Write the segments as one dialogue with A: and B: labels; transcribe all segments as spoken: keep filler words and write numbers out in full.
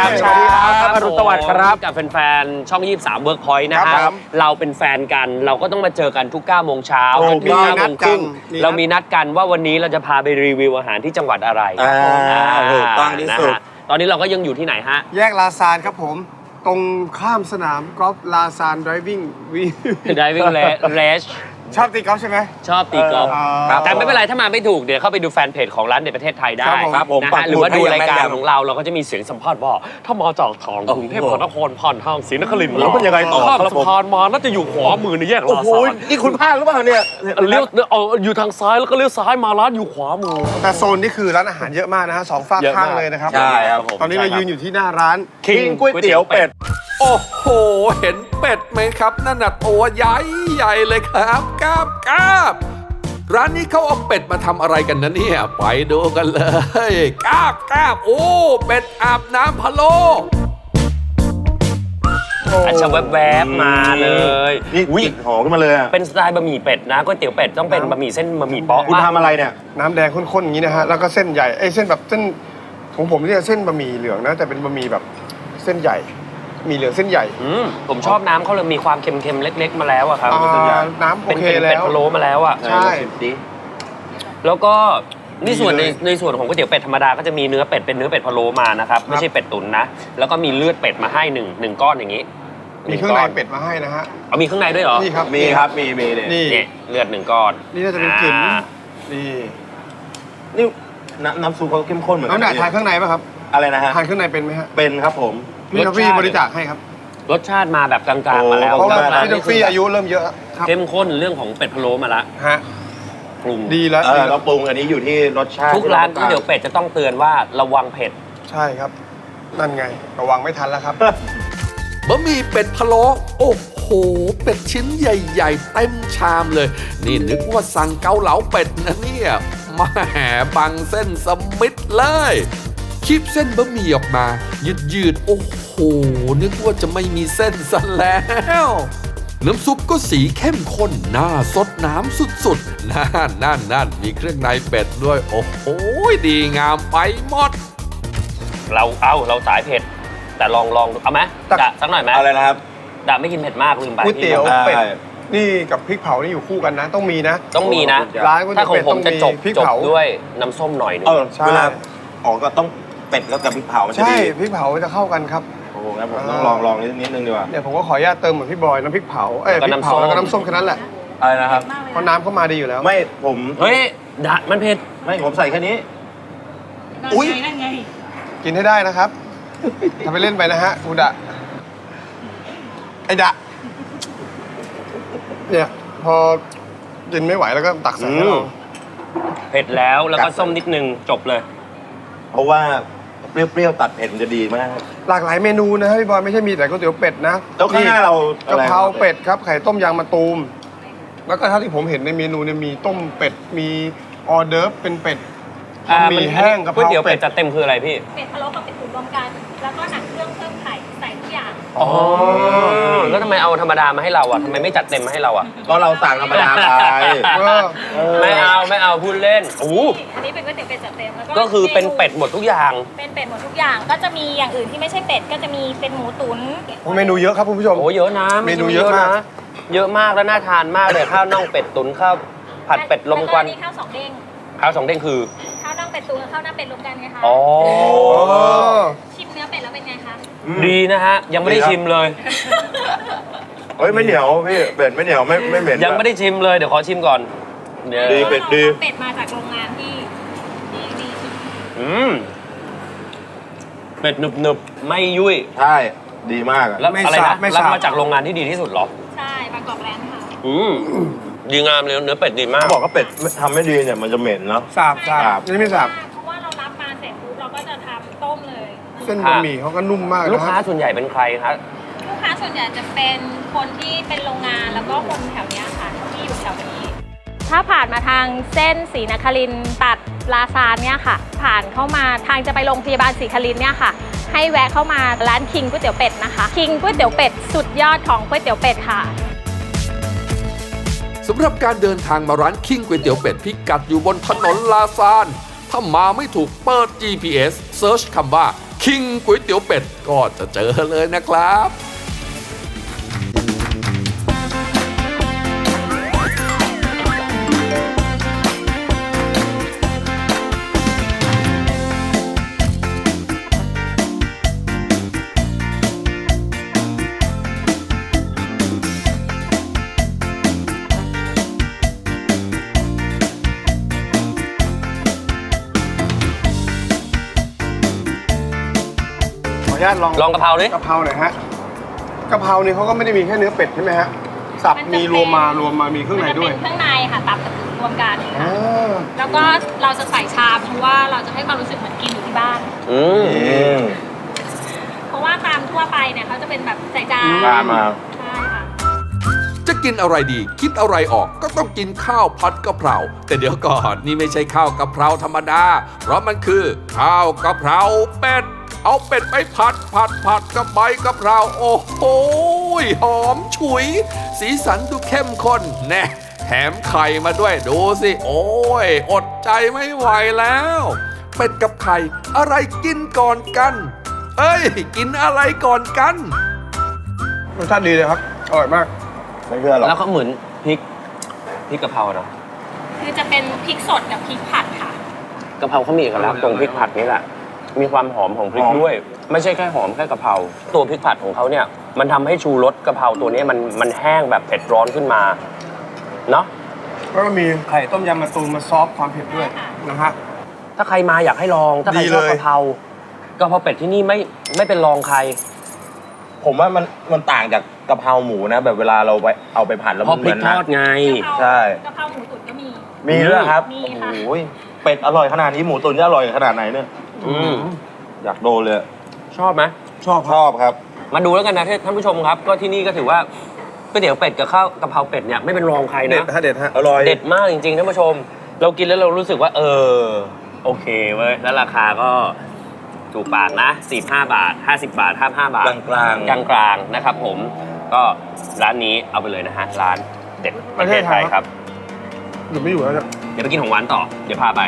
A: ามเช้าครับอรุณสวัสดิ์ครับกับแฟนๆช่องยี่สิบสาม Workpoint นะฮะเราเป็นแฟนกันเราก็ต้องมาเจอกันทุกเก้าโมงเช้าจนถึงเก้าโมงครึ่งเรามีนัดกันว่าวันนี้เราจะพาไปรีวิวอาหารที่จังหวัดอะไร
B: ถูกต้องที่สุด
A: ตอนนี้เราก็ยังอยู่ที่ไหนฮะ
C: แยกลาซานครับผมตรงข้ามสนามกอล์ฟลาซานไดรวิ่งวี
A: ไดรวิ่งเรช
C: ชอบตีกอล์ฟใช่ไหม
A: ชอบตีกอล์ฟแต่ไม่เป็นไรถ้ามาไม่ถูกเดี๋ยวเข้าไปดูแฟนเพจของร้านเด็ดประเทศไทยได้
B: ครับผม
A: นะฮะหรือว่าดูรายการของเราเราก็จะมีเสียงสัมภาษณ์ว่าถ้ามาจากทางกรุงเทพมหานครผ่านทางศรีนครินทร์
B: แล้วมันยังไงต่อ
A: ข้ามสะพานมาน่าจะอยู่ขวามือในแยกลาซาน
B: นี่คุณพลาดหรือเปล่าเนี่ย
A: เลี้ยวเอออยู่ทางซ้ายแล้วก็เลี้ยวซ้ายมาร้านอยู่ขวามือ
C: แต่โซนนี่คือร้านอาหารเยอะมากนะฮะสองฝากข้างเลยนะครับ
B: ใช่ครับ
C: ตอนนี้เรายืนอยู่ที่หน้าร้าน
B: คิงก๋วยเตี๋ยวเป็ด
D: โอ้โหเห็นเป็ดไหมครับนั่นน่ะตัวใหญ่ใหญ่เลยครับกราบกราบร้านนี้เขาเอาเป็ดมาทำอะไรกันนะเนี่ยไปดูกันเลยกราบกราบโอ้เป็ดอาบน้ำพะโล้
A: อาจจะแวบๆมาเลย
B: นี่กลิ่นหอมขึ้นมาเลยอ่ะ
A: เป็นสไตล์บะหมี่เป็ดนะก๋วยเตี๋ยวเป็ดต้องเป็นบะหมี่เส้นบะหมี่เปาะ
B: คุณทำอะไรเนี่ย
C: น้ำแดงข้นๆอย่างนี้นะฮะแล้วก็เส้นใหญ่ไอ้เส้นแบบเส้นของผมเนี่ยเส้นบะหมี่เหลืองนะแต่เป็นบะหมี่แบบเส้นใหญ่มีเหลืองเส้นใหญ่
A: ผมชอบน้ำเขาเลยมีความเค็มๆเล็กๆมาแล้วอะครับ
C: น้ำโอเคแล้ว
A: เป็นเป็ดพะโล้มาแล้วอะ
C: ใช่
A: แล้วก็นี่ส่วนในในส่วนของก๋วยเตี๋ยวเป็ดธรรมดาก็จะมีเนื้อเป็ดเป็นเนื้อเป็ดพะโล้มานะครับไม่ใช่เป็ดตุ๋นนะแล้วก็มีเลือดเป็ดมาให้หนึ่งหนึ่งก้อนอย่างนี้
C: มีเครื่องในเป็ดมาให้นะฮะ
A: เอามีเครื่องในด้วยเหรอ
C: นี่ครับ
B: มีครับมีมี
C: นี่
A: เลือดหนึ่งก้อน
C: นี่น่าจะเป็นกลิ่นนี่
B: นี่น้ำน้ำซุปเขาเข้มข้นเหมือนกัน
C: น้ำหนักทานเครื่องในป่ะครับ
B: อะไรนะฮะ
C: ทานเครื่องในเป็นไหมฮะ
B: เป็นครับผม
C: พี่ท็อฟฟี่บริจาคให้ครับ
A: รสชาติมาแบบกลางๆมาแล้ว
C: เพราะว่าพี่ท็อฟฟี่อายุเริ่มเยอะ
A: เข้มข้นเรื่องของเป็ดพะโล้มาละ
C: ฮะ
A: ปรุง
C: ดีแล้ว
B: เราปรุงอันนี้อยู่ที่รสชาติ
A: ทุกร้านก๋วยเตี๋ยวเป็ดจะต้องเตือนว่าระวังเผ็ด
C: ใช่ครับนั่นไงระวังไม่ทันแล้วครับ
D: บะหมี่เป็ดพะโล้โอ้โหเป็ดชิ้นใหญ่ๆเต็มชามเลยนี่นึกว่าสั่งเกาเหลาเป็ดนะเนี่ยมาแห่บังเส้นสมิธเลยคีบเส้นบะหมี่ออกมายืดยืดโอ้โหนึกว่าจะไม่มีเส้นซะแล้วน้ำซุปก็สีเข้มข้นน่าสดน้ำสุดๆนั่นนั่นนั่นมีเครื่องในเป็ดด้วยโอ้โหดีงามไปหมด
A: เราเอาเราสายเผ็ดแต่ลองลองเอาไหมดะสักหน่อยไหม
B: อะไรนะครับ
A: ดะไม่กินเผ็ดมากลืมไป
C: ก๋วยเตี๋ยวเป็ดนี่กับพริกเผานี่อยู่คู่กันนะต้องมีนะ
A: ต้องมีนะ
C: ร้านก๋วยเตี๋ยวเป็ดต้องมี
A: พริกเผาด้วยน้ำส้มหน่อยนึง
B: เวลาออกก็ต้องเป็ดแล้วกับพริกเผาใช่
C: พริกเผาจะเข้ากันครับ
B: โอ้โหงั้นผมต้องลองลองนิดนึงดีกว่า
C: เนี่ยผมก็ขออนุญาตเติมเหมือนพี่บอยน้ำพริกเผาเอ้ยพริกเผาแล้วก็น้ำส้มแค่นั้นแหละ
B: อะไรนะครับ
C: เพราะน้ำเข้ามาดีอยู่แล้ว
B: ไม่ผม
A: เฮ้ยดะมันเผ็ด
B: ไม่ผมใส่แค่นี้
C: อุ้ยกินให้ได้นะครับทำไปเล่นไปนะฮะกูดะไอดะเนี่ยพอกินไม่ไหวแล้วก็ตักใส่ให้เรา
A: เผ็ดแล้วแล้วก็ส้มนิดนึงจบเลย
B: เพราะว่าเปรี้ยวๆตัดเผ็ดจะดีมาก
C: หลากหลายเมนูนะพี่บอยไม่ใช่มีแต่ก๋วยเตี๋ยวเป็ดนะ
B: แล้วข้างหน้าเรา
C: กะเพราเป็ดครับไข่ต้มยางมะตูมแล้วก็เท่าที่ผมเห็นในเมนูเนี่ยมีต้มเป็ดมีออเดิร์ฟเป็นเป็ดมีแห้งกะเพรา
A: ก๋วยเตี๋ยวเป็ดจัดเต็มคืออะไรพี่
E: เป็ดพะโล้กับเป็ดตุ๋นรวมกันแล้วก็หนังเครื่องเพิ่มไข่ใส่ทุกอย่าง
A: อ๋อแล้วทำไมเอาธรรมดามาให้เราอ่ะทำไมไม่จัดเต็มมาให้เราอ่ะ
B: ก็เราสั่งธรรมดาไป
A: ไม่เอาไม่เอาพูดเล่นโอ้
E: อันนี้เป็นก๋วยเตี๋ยวเป็ดจัดเต็มแล้ว
A: ก็คือเป็นเป็ดหมดทุกอย่าง
E: เป็นเป็ดหมดทุกอย่างก็จะมีอย่างอื่นที่ไม่ใช่เป็ดก็จะมีเป็นหมูตุ๋น
C: เมนูเยอะครับคุณผู้ชม
A: โอ้เยอะนะ
C: เมนูเยอะนะ
A: เยอะมากแล้วน่าทานมากเลยข้าวน่องเป็ดตุ๋นข้าวผัดเป็ดลมควัน
E: ข้าวสองเด้ง
A: ข้าวสองเด้งคือ
E: ข้าวน่องเป็ดตุ๋นกับข้าวหน้าเป็ดรวมกันไงคะ
A: อ๋อ
E: ชิมเนื้อเป็ดแล้วเป็นไงคะ
A: ดีนะฮะยังไม่ได้ชิมเลย
B: เฮ้ยไม่เหนียวพี่เป็ดไม่เหนียวไม่ไม่เหม็น
A: ยังไม่ได้ชิมเลยเดี๋ยวขอชิมก่อน
B: ดีเป็ดดี
E: เป็ดมาจากโรงงานที่ดีสุด
A: อืมเป็ดหนึบหนึบไม่ยุ่ย
B: ใช่ดีมาก
A: แล้วอะไรนะรับมาจากโรงงานที่ดีที่สุดหรอ
E: ใช่บางกอกแลนด์ค่ะ
A: อืมดีงามเลยเนื้อเป็ดดีมาก
B: เขาบอกว่าเป็ดทำไม่ดีเนี่ยมันจะเหม็นเนาะ
C: สาบสาบนี่ไม่สาบ
E: เพราะว่าเรารับมาเสร็จปุ๊บเราก็จะทำต้มเลย
C: เส้นบะหมี่เขาก็นุ่มมาก
A: ลูกค้าส่วนใหญ่เป็นใครครับ
E: ลูกค้าส่วนใหญ่จะเป็นคนที่เป็นโรงงานแล้วก็คนแถวนี้ค่ะที่อยู่แถวนี้ถ้าผ่านมาทางเส้นศรีนครินทร์ตัดลาซานเนี่ยค่ะผ่านเข้ามาทางจะไปโรงพยาบาลศรีนครินทร์เนี่ยค่ะให้แวะเข้ามาร้านคิงก๋วยเตี๋ยวเป็ดนะคะคิงก๋วยเตี๋ยวเป็ดสุดยอดของก๋วยเตี๋ยวเป็ดค่ะ
D: สำหรับการเดินทางมาร้านคิงก๋วยเตี๋ยวเป็ดพิกัดอยู่บนถนนลาซานถ้ามาไม่ถูกเปิด จี พี เอส เซิร์ชคำว่าคิงก๋วยเตี๋ยวเป็ดก็จะเจอเลยนะครับ
C: ขออนุญาตลอง
A: ลองกะเพราดิ
C: กะเพราหน่อยฮะกะเพรานี่เขาก็ไม่ได้มีแค่เนื้อเป็ดใช่ไหมฮะสับมีรวมมารวมมามีเครื่องในด้วย
E: มันจะเป็นเครื่องในค่ะตับกับรวมกัน
C: อ่า
E: แล้วก็เราจะใส่ชามเพราะว่าเราจะให้ความรู้สึกเหมือนกินอยู่ที่บ้าน
A: อืม
E: เพราะว่าตามทั่วไปเนี่ยเขาจะเป็นแบบใส่จาน
B: ตามมา
E: ใช่ค่ะ
D: จะกินอะไรดี คิดอะไรออกก็ต้องกินข้าวผัดกะเพราแต่เดี๋ยวก่อนนี่ไม่ใช่ข้าวกะเพราธรรมดา เพราะมันคือข้าวกะเพราเป็ด เอาเป็ดไปผัดผัดผัดกับใบกะเพราโอ้โหหอมฉุย สีสันดูเข้มข้นแน่แถมไข่มาด้วยดูสิ โอ้ย อดใจไม่ไหวแล้ว เป็ดกับไข่อะไรกินก่อนกัน เอ้ย กินอะไรก่อนกัน
C: รสชาติดีเลยครับอร่อยมาก
B: ไม่เชื่อหรอก
A: แล้วก็เหมือนพริกพริกกะเพราเนาะ
E: คือจะเป็นพริกสดกับพริกผัดค่ะ
A: กะเพราเขามีเอกลักษณ์ตรงพริกผัดนี่แหละมีความหอมของพริกด้วย ไม่ใช่แค่หอมแค่กะเพราตัวพริกผัดของเขาเนี่ยมันทำให้ชูรสกะเพราตัวนี้มันมันแห้งแบบเผ็ดร้อนขึ้นมาเนาะ
C: แล้วก็มีไข่ต้มยำมะตูมมาซอฟต์ความเผ็ดด้วยนะฮะ
A: ถ้าใครมาอยากให้ลองถ้าใคร
C: ดี
A: ชอบ
C: เลย
A: กะเพรากะเพราเป็ดที่นี่ไม่ไม่เป็นรองใคร
B: ผมว่ามันมันต่างจากกะเพราหมูนะ แบบเวลาเราไปเอาไปผัดแล้ว
A: เพ
B: มัน
A: ราะ
B: เห
A: พริ
B: มื
A: ก
B: อน
A: ท
B: นะ
A: อดไง
B: ใช่
E: กะเพราหมูตุ๋นก็มี
B: มีด้วยครับ
E: มี
B: โอ้
E: ค่ะ
B: โหเป็ดอร่อยขนาดนี้หมูตุ๋นจะอร่อยขนาดไหนเนี่ย
A: อืม
B: อยากโดนเลย
A: ชอบไหม
C: ชอบ
B: ชอบครับ
A: มาดูแล้วกันนะท่านผู้ชมครับ ก็ที่นี่ก็ถือว่าก๋วยเตี๋ยวเป็ดกับข้าวกะเพราเป็ดเนี่ยไม่เป็นรองใคร
C: เด็ด
A: นะ
C: ฮะเด็ดฮะ
B: อร่อย
A: เด็ดมากจริงๆท่านผู้ชม เรากินแล้วเรารู้สึกว่า เออ โอเคเว้ยแล้วราคาก็ถูกปากนะสี่สิบห้าบาทห้าสิบบาทห้าสิบห้าบาท
B: กลางๆ
A: กลางกลางๆนะครับผมก็ร้านนี้เอาไปเลยนะฮะร้านเด็ดประเทศไทยครับ
C: อยู่ไม่อยู่แล้วเนี่ย
A: เดี๋ยวไปกินของหวานต่อเดี๋ยวพาไป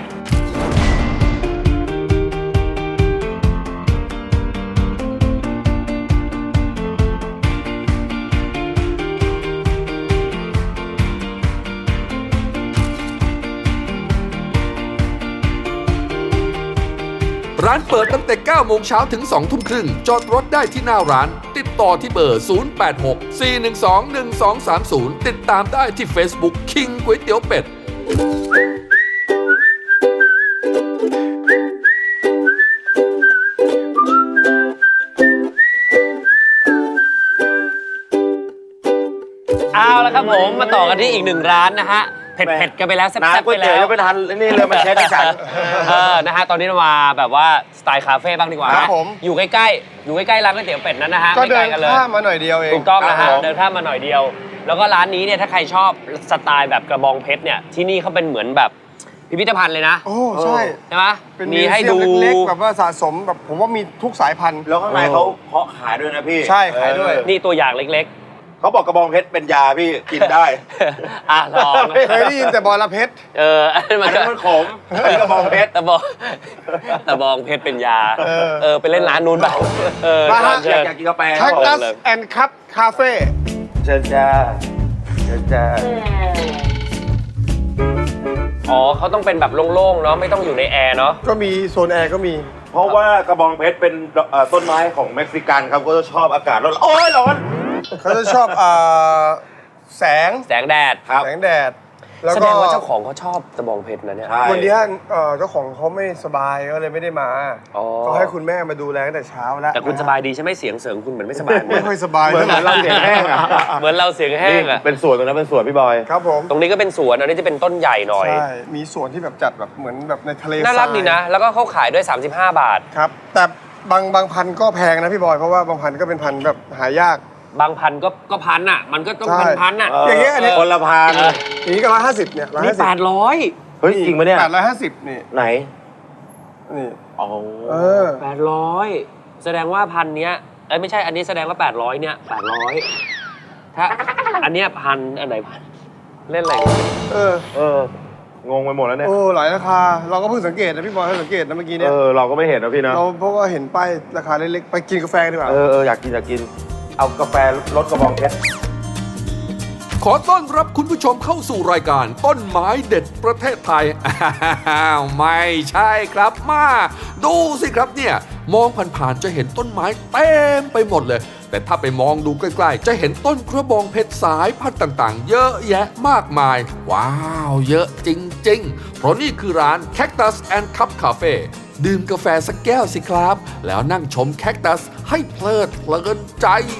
D: ร้านเปิดตั้งแต่ เก้าโมงเช้าถึง สองทุ่มครึ่ง จอดรถได้ที่หน้าร้าน ติดต่อที่เบอร์ ศูนย์ แปด หก สี่ หนึ่ง สอง หนึ่ง สอง สาม ศูนย์ ติดตามได้ที่ Facebook คิงก๋วยเตี๋ยวเป็ด
A: เอาละครับผมมาต่อกันที่อีกหนึ่งร้านนะฮะเผ็ดๆกันไปแล้วแซ่บ
B: น้ำ
A: ๆ
B: ก๋ว
A: ไป
B: ยเตี๋ยว
A: แล้ว
B: ยังไม่ทันนี่เลยมันเช็ดให้ฉัน
A: เออนะฮะตอนนี้เรามาแบบว่าสไตล์คาเฟ่บ้างดีกว่า
C: ครับ
A: นะ
C: ผม
A: อยู่ใกล้ๆอยู่ใกล้ๆร้านก๋วยเตี๋ยวเป็ดนั้นนะฮะ
C: ก็
A: ไม่
C: เดิ
A: ไกล
C: น
A: กันเลย
C: ข้ามมาหน่อยเดียวเอง
A: ถูกต้องนะ
B: ครั
A: ฮะ
B: บผม
A: เดินข้ามมาหน่อยเดียว แล้วก็ร้านนี้เนี่ยถ้าใครชอบสไตล์แบบกระบองเพชรเนี่ยที่นี่เขาเป็นเหมือนแบบพิพิธภัณฑ์เลยนะ
C: โอ้ใช่
A: ใช่ไหม
C: เป็น
A: มีให้ดู
C: มิวเซียมเล็กๆแบบว่าสะสมแบบผมว่ามีทุกสายพันธุ์
B: แล้วข้างในเขาเพาะขายด้วยนะพี่
C: ใช่ขายด้วย
B: เออ
A: นี่ตัวอย่างเล็ก
B: เขาบอกกระบองเพชรเป็นยาพี่กินได้
A: ๆ อ่ะลอง
C: เคยได้ยินแต่บอระเพ็ด
A: เอออันนั้นมั
B: อั
A: น
B: น
A: ก็
B: นั้นมันขมอันนี้กระบองเพชร
A: ตะบองตะบองเพชรเป็นยา
C: เออ
A: เออไปเล่นร้านนู้นไปเออ
C: มาฮะ
A: เชิ
B: อยาก
A: ญ
B: อยากกินกาแฟ
C: แคคตัส
A: เลย
C: แอนด์คัพคาเฟ่
B: เชิญจ้าเชิญจ้า
A: อ๋อเขาต้องเป็นแบบโล่งๆเนาะไม่ต้องอยู่ในแอร์เนาะ
C: ก็มีโซนแอร์ก็มี
B: เพราะว่ากระบองเพชรเป็นเอ่อต้นไม้ของเม็กซิกันครับก็จะชอบอากาศร้อนโอ้ยร้อน
C: เขาจะชอบอ่าแสง
A: แสงแดด
B: ครับ
C: แสงแดด แล้ว
A: แส
C: ก็
A: ดงว่าเจ้าของเขาชอบตะบองเพชรนะเนี่ย
B: ใช่
C: วันนี้เอ่อเจ้าของเขาไม่สบายก็เลยไม่ได้มา
A: อ๋อ
C: ก็ให้คุณแม่มาดูแลตั้งแต่เช้าแล้ว
A: แต่คุณสบายดีใช่ไหมเสียงเสริงคุณเหมือนไม่สบายเหมื
C: ไม่
A: อน
C: ค่อยสบาย
B: เหมือนเหมือนเราเสียงแห้งอะ
A: เหมือนเราเสียงแห้งอะ
B: เป็นสวนตรงนั้นเป็นสวนพี่บอย
C: ครับผม
A: ตรงนี้ก็เป็นสวนอันนี้จะเป็นต้นใหญ่หน่อย
C: ใช่มีสวนที่แบบจัดแบบเหมือนแบบในทะเล
A: น่ารัก
C: ทย
A: ดีนะ แล้วก็เขาขายด้วย สามสิบห้า บาท
C: ครับ แต่บางบางพันธุ์ก็แพงนะพี่บอยเพราะว่าบางพันธุ์ก็เป็นพันธุ์แบบหายาก
A: บางพันก็ก็พันอ่ะ มันก็ต้อง
C: ใช่
A: พันพันอ่ะ
C: อย่างเงี้ยอันนี้
B: คนละพัน
C: อย่างนี้ก็ร้อยห้าสิบเนี่ยร้อย
A: นี่
C: ห้าสิบ
A: แปดร้อย
B: เฮ้ยจริงปะเนี่ย
C: แปดร้อยห้าสิบนี่
B: ไหน
C: นี่
B: อ๋อ
C: เออ
A: แปดร้อยแสดงว่าพันเนี้ยเอ้ยไม่ใช่อันนี้แสดงว่าแปดร้อยเนี่ยแปดร้อยถ้าอันเนี้ยพันอันไหนพันเล่นอะไรกัน
C: เออ
B: เอองงไปหมดแล้วเนี่ย
C: โอ้หลายราคาเราก็เพิ่งสังเกตนะพี่บอยเพิ่งสังเกตนะเมื่อกี้เนี่ย
B: เออเราก็ไม่เห็นนะพี่นะ
C: เราเพราะว่าเห็นป้ายราคาเล็กๆไปกินกาแฟดีกว่า
B: เออเอออยากกินอยากกิน เอากาแฟรสกระบองเพชร
D: ขอต้อนรับคุณผู้ชมเข้าสู่รายการต้นไม้เด็ดประเทศไทย อ้าวไม่ใช่ครับมาดูสิครับเนี่ย มองผ่านๆจะเห็นต้นไม้เต็มไปหมดเลย แต่ถ้าไปมองดูใกล้ๆจะเห็นต้นกระบองเพชรสายพันธุ์ต่างๆ เยอะแยะมากมาย ว้าว เยอะจริงๆ เพราะนี่คือร้าน Cactus and Cup Cafe ดื่มกาแฟสักแก้วสิครับ แล้วนั่งชมแคคตัสให้เพลิดเพลินใจ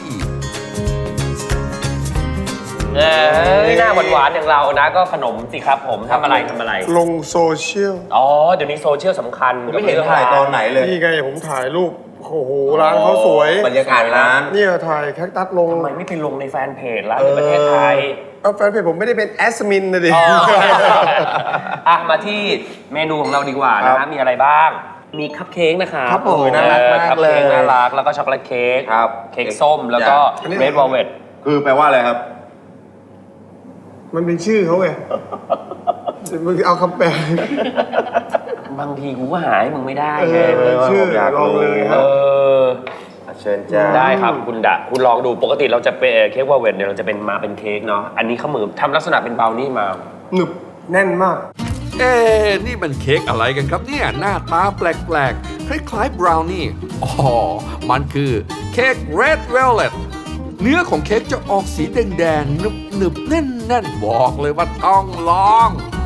A: เอ้ยหน้าหวานๆอย่างเรานะก็ขนมสิครับผมทำอะไรทำอะไร
C: ลงโซเชียล
A: อ๋อเดี๋ยวนี้โซเชียลสำคัญ
B: ไม่เห็นถ่ายตอนไหนเลย
C: นี่ไงผมถ่ายรูปโอ้โหร้านเขาสวย
B: บรรยากาศร้าน
C: เนี่ยถ่ายแคคตัสลง
A: ทำไมไม่ไปลงในแฟนเพจร้านในประเทศไทย
C: เอาแฟนเพจผมไม่ได้เป็นแอสมินนะดิ
A: อ๋ออ่ะมาที่เมนูของเราดีกว่านะ
B: ครั
A: ฮะ
B: บ
A: มีอะไรบ้าง มีคัพเค้กนะคะ
C: ครับผม
A: น่ารักมาก
B: น่ารัก
A: คัพเค้ก
B: เลย
A: น่ารักแล้วก็ช็อกโกแลตเค้ก
B: ครับ
A: เค้กส้มแล้วก็
C: อันนี้
A: เรดวอลเวต
B: คือแปลว่าอะไรครับ
C: มันเป็นชื่อเขาไงมึงเอาคำแปล
A: บางทีกูก็หาให้มึงไม่ได้
C: เอ
A: ไง
C: อเป็นชื่อ
B: ผมอยากรู้
C: ลองเลยค
A: เอ
C: รับ
A: อ
B: เชิญจ้า
A: ได้ครับคุณดะคุณลองดูปกติเราจะเป็นเค้กวอลเวตเนี่ยเราจะเป็นมาเป็นเค้กเนาะอันนี้เขาเหมือนทำลักษณะเป็นเบลนี่มา
C: หนึบแน่นมาก
D: เอ๊ะนี่มันเค้กอะไรกันครับเนี่ย หน้าตาแปลกๆ คล้ายๆบราวนี่ อ๋อ มันคือเค้ก Red Velvet เนื้อของเค้กจะออกสีแดงๆ หนึบๆ แน่นๆ บอกเลยว่าต้องลอง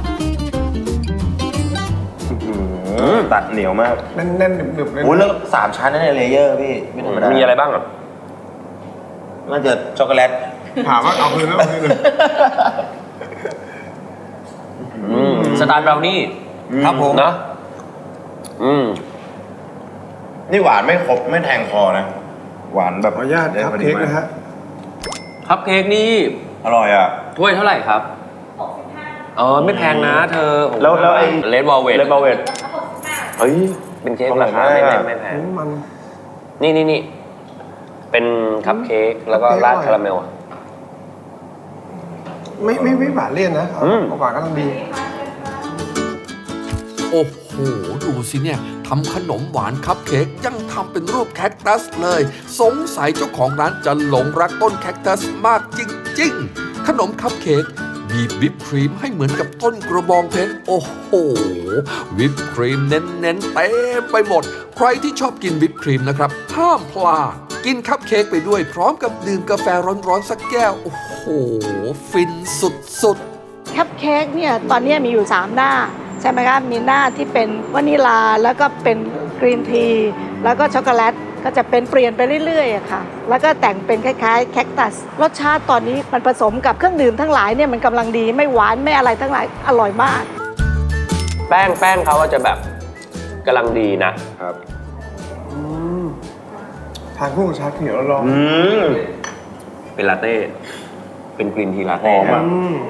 B: ตัดเหนียวมาก
C: แน่นๆหนึบๆเลย
B: โอ้ยแล้วสามชั้นนั่นเนี่ยเลเยอร์พี่ไม่ธรรมดา
A: มีอะไรบ้างอ่ะ
B: น่าจะช็อกโกแลต
C: ถามว่าเอาคืนแล้วเอาคืนเลย
A: อืมสไตล์บราวนี่
B: ครับผม
A: เนอะอืม
B: นี่หวานไม่ครบไม่แทงคอนะ หวานแบบ
C: ขออนุญาตครับเค้กนะฮะ
A: คัพเค้กนี่
B: อร่อยอ่ะ
A: ถ้วยเท่าไหร่ครับอ๋อไม่แพงนะเธอ
B: แล้วแล้วไอ้
A: เลดวอลเวต
B: เลดเบลเวตเฮ้ย
A: เป็นเค้กราคาไม่แพงไม่แพง
C: มัน
A: นี่นี่นี่เป็นคัพเค้กแล้วก็ราดคาราเมลอะ
C: ไม่ไม่ไม่หวานเลี่ยนนะ
A: อืม
C: เอาหวานก็ต้องดี
D: โอ้โห ดูสิเนี่ยทำขนมหวานคัพเค้กยังทำเป็นรูปแคคตัสเลย สงสัยเจ้าของร้านจะหลงรักต้นแคคตัสมากจริงๆ ขนมคัพเค้กบีบวิปครีมให้เหมือนกับต้นกระบองเพชรโอ้โห วิปครีมเน้นๆเต็มไปหมด ใครที่ชอบกินวิปครีมนะครับ ห้ามพลาด กินคัพเค้กไปด้วยพร้อมกับดื่มกาแฟร้อนๆสักแก้ว โอ้โห ฟินสุดๆ
F: คัพเค้กเนี่ยตอนนี้มีอยู่ สาม หน้า ใช่ไหมครับมีหน้าที่เป็นวานิลาแล้วก็เป็นกรีนทีแล้วก็ช็อกโกแลตก็จะเป็นเปลี่ยนไปเรื่อยๆอะค่ะแล้วก็แต่งเป็นคล้ายๆแคคตัสรสชาติตอนนี้มันผสมกับเครื่องดื่มทั้งหลายเนี่ยมันกำลังดีไม่หวานไม่อะไรทั้งหลายอร่อยมาก
A: แป้งแป้งเขาอะจะแบบกำลังดีนะ
B: ครับ
C: ทานคู่กับชาเขียวแล้วลอง
B: อืม
A: เป็นลาเต้ เป็นกรีนทีลา
B: ห
A: เต้
B: อมอะ
C: อืม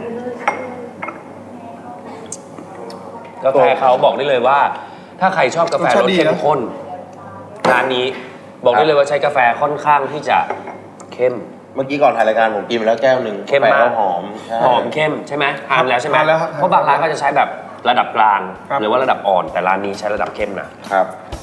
A: กาแฟเขาบอกได้เลยว่า ถ้าใครชอบกาแฟรสเข้มข้นร้านนี้บอกได้เลยว่าใช้กาแฟค่อนข้างที่จะเข้ม
B: เมื่อกี้ก่อนถ่ายรายการผมกินไปแล้วแก้วหนึ่ง
A: เข้มมาก
B: กาแฟหอมใช่
A: หอมเข้มใช่ไหมทานแล้วใช่ไหม
C: ทานแล้วครับ
A: เพราะบางร้านก็จะใช้แบบระดับกลาง
C: ครับ
A: หรือว่าระดับอ่อนแต่ร้านนี้ใช้ระดับเข้มนะ
B: ครับ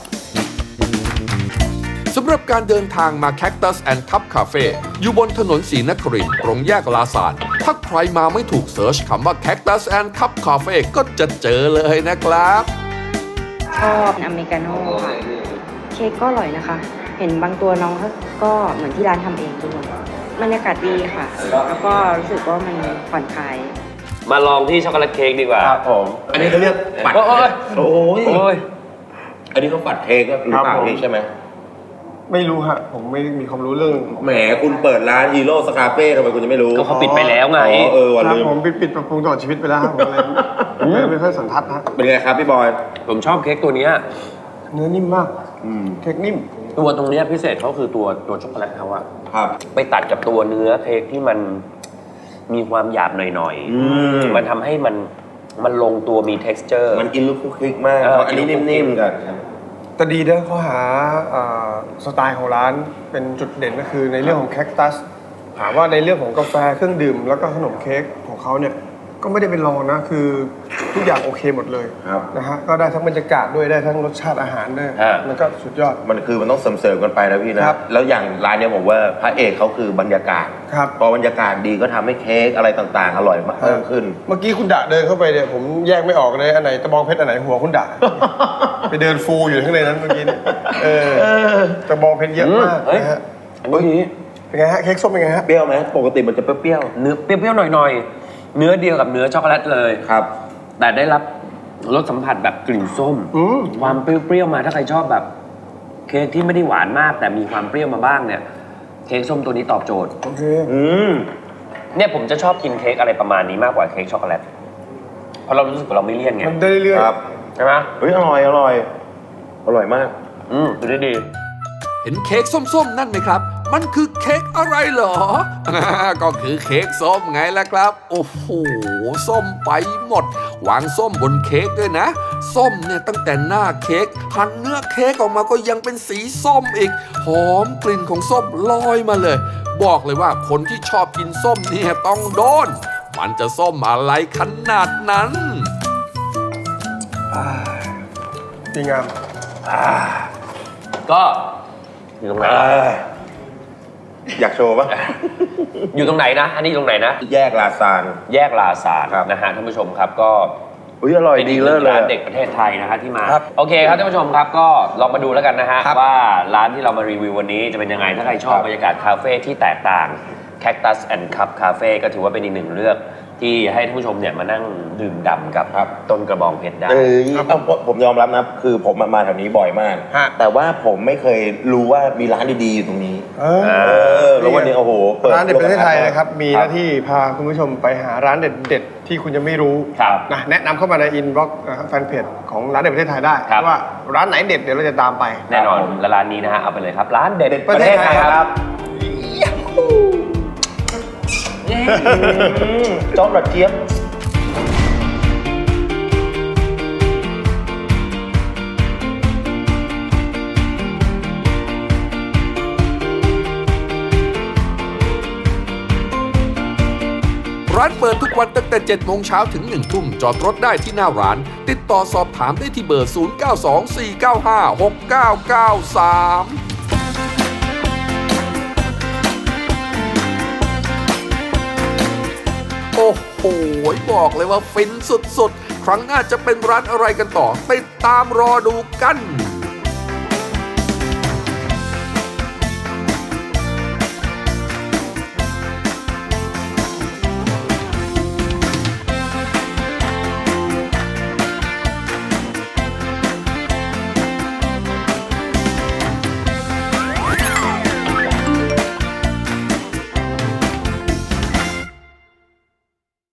D: สำหรับการเดินทางมา Cactus and Cup Cafe อยู่บนถนนศรีนครินทร์ตรงแยกลาซานถ้าใครมาไม่ถูกเสิร์ชคำว่า Cactus and Cup Cafe ก็จะเจอเลยนะครับ
G: ชอบอเมริกาโน่ค่ะ เค้กก็อร่อยนะคะ เห็นบางตัวน้องเขาก็เหมือนที่ร้านทำเองด้วยบรรยากาศดีค่ะ แล้วก็รู้สึกว่ามันผ่อนคลาย
A: มาลองที่ช็อกโกแลตเค้กดีกว่า
B: ครับผม อันนี้เขาเรียกปัด
A: โอ้ย
B: โอ้ย
A: โอ้ย
B: อันนี้เขาปัดเค้กหรือเปล่าพี่ใช่ไหม
C: ไม่รู้ฮะผมไม่มีความรู้เรื่อง
B: แหมคุณเปิดร้านฮีโร่สคาเฟ่ทำไมคุณจะไม่รู้
A: ก็เขาปิดไปแล้วไง
B: อ๋อเออวัน
C: ครับ
B: ลืม
C: ผมปิดปิดปรับปรุงตลอดชีวิตไปแล้วครับผมเลยไม่ไม่ค่อยสันทัดฮะ
B: เป็นไงครับพี่บอย
A: ผมชอบเค้กตัวเนี้ย
C: เนื้อนิ่มมาก
B: อืม
C: เค้กนิ่ม
A: ตัวตรงเนี้ยพิเศษเขาคือตัวตัวช็อกโกแลตเขาอะ
B: ครับ
A: ไปตัดกับตัวเนื้อเค้กที่มันมีความหยาบหน่อย
B: อืม
A: มันทำให้มันมันลงตัวมี texture
B: มันกินลูกคุกคลิกมาก
A: เออ
B: เพราะอันนี้นิ่มๆกัน
C: แต่ดีนะเขาหาอ่าสไตล์ของร้านเป็นจุดเด่นก็คือในเรื่องของแคคตัสถามว่าในเรื่องของกาแฟเครื่องดื่ม แล้วก็ขนมเค้กของเขาเนี่ยก็ไม่ได้เป็นรองนะคือทุกอย่างโอเคหมดเลย
B: ครับ
C: นะฮะก็ได้ทั้งบรรยากาศด้วยได้ทั้งรสชาติอาหารด้วย
A: ฮะ
C: มันก็สุดยอด
B: มันคือมันต้องเสริมๆกันไปนะพี่นะครับ แล้วอย่างร้านเนี้ยผมว่าพระเอกเขาคือบรรยากาศ
C: ครับ
B: พอบรรยากาศดีก็ทำให้เค้กอะไรต่างๆ อร่อยมากเพิ่มขึ้น
C: เมื่อกี้คุณดะเดินเข้าไปเนี่ยผมแยกไม่ออกเลยอันไหนตะบองเพชรอันไหนหัวคุณดะ ไปเดินฟูอยู่ข้างในนั้นเมื่อกี้เนี่ยเออตะบองเพชรเยอะมาก
A: เฮ้ย
C: นะฮะ
A: อันนี้
C: เป็นไงฮะเค้กส้มเป็นไงฮะ
B: เปรี้ยวไหมปกติมันจะเปรี้ยว
A: เนื้อเปรี้ยวๆหน่อยๆ เนื้อเดียวกับเนื้อช็อกโกแลตเลย
B: ๆครับ
A: แต่ได้รับรสสัมผัสแบบกลิ่นส้ม
C: อืม
A: ความเปรี้ยวๆมาถ้าใครชอบแบบ เค้กที่ไม่ได้หวานมาก แต่มีความเปรี้ยวมาบ้างเนี่ย เค้กส้มตัวนี้ตอบโจทย์
C: โอเค
B: อืม
A: เนี่ยผมจะชอบกินเค้กอะไรประมาณนี้มากกว่าเค้กช็อกโกแลต เพราะเรารู้สึกว่าเราไม่เลี่ยนไง
C: มันได้เรื่อย
B: ครับ
A: ใช่ไหม
B: เฮ้ยอร่อยอร่อยอร่อยมาก
A: อืมดูได้ดี
D: เห็นเค้กส้มๆ นั่นไหมครับ มันคือเค้กอะไรเหรอ ก็คือเค้กส้มไงล่ะครับ โอ้โห ส้มไปหมด วางส้มบนเค้กด้วยนะ ส้มเนี่ยตั้งแต่หน้าเค้กหั่นเนื้อเค้กออกมาก็ยังเป็นสีส้มอีก หอมกลิ่นของส้มลอยมาเลย บอกเลยว่าคนที่ชอบกินส้มเนี่ยต้องโดน มันจะส้มอะไรขนาดนั้น
C: ๆดีงาม
A: ก็อยู่ตรงไหน
B: อยากโชว์ปะ
A: อยู่ตรงไหนนะ อันนี้อยู่ตรงไหนนะ
B: แยกลาซาน
A: แยกลาซาน
B: ครับ
A: นะฮะท่านผู้ชมครับก็
B: อุ้ยอร่อย
A: เป็น
B: ดี
A: อีกห
B: เลิ
A: นึ่
B: ศ
A: ง
B: เลย
A: ร้านเด็กประเทศไทยนะฮะที่มา
C: ครับ
A: โอเคครับท่านผู้ชมครับก็ลองมาดูแล้วกันนะฮะ
C: ครับ
A: ว่าร้านที่เรามารีวิววันนี้จะเป็นยังไงถ้าใครชอบ
B: ครับ
A: บรรยากาศคาเฟ่ที่แตกต่าง Cactus and Cup Cafe ก็ถือว่าเป็นอีกหนึ่งเลือกที่ให้ท่านผู้ชมเนี่ยมานั่งดื่มด่ำกับต้นกระบองเพชรได้
B: เออเอาผมยอมรับนะ คือผมมาแถวนี้บ่อยมาก
C: ฮะ
B: แต่ว่าผมไม่เคยรู้ว่ามีร้านดีๆอยู่ตรงนี้
C: เออ
B: เออ แล้ววันนี้โอ้โหปิ
C: ร้านเด็ดประเทศไทยนะครับ มีห
B: ครั
C: น้าที่พาคุณผู้ชมไปหาร้านเด็ดๆที่คุณยังไม่รู้
A: ครับ
C: นะแนะนำเข้ามาในอินบ็อกซ์แฟนเพจของร้านเด็ดประเทศไทยได้
A: ครับ
C: ว่าร้านไหนเด็ดเดี๋ยวเราจะตามไป
A: แน่นอนและร้านนี้นะฮะเอาไปเลยครับ ร้านเด็ด
C: ประเทศไทยครับ
B: จอร์ดเจี๊ยบ
D: ร้านเปิดทุกวันตั้งแต่เจ็ดโมงเช้าถึงหนึ่งทุ่มจอดรถได้ที่หน้าร้าน ติดต่อสอบถามได้ที่เบอร์ ศูนย์ เก้า สอง สี่ เก้า ห้า หก เก้า เก้า สาม โอ้โห บอกเลยว่าฟินสุดๆ ครั้งหน้าจะเป็นร้านอะไรกันต่อ ติดตามรอดูกัน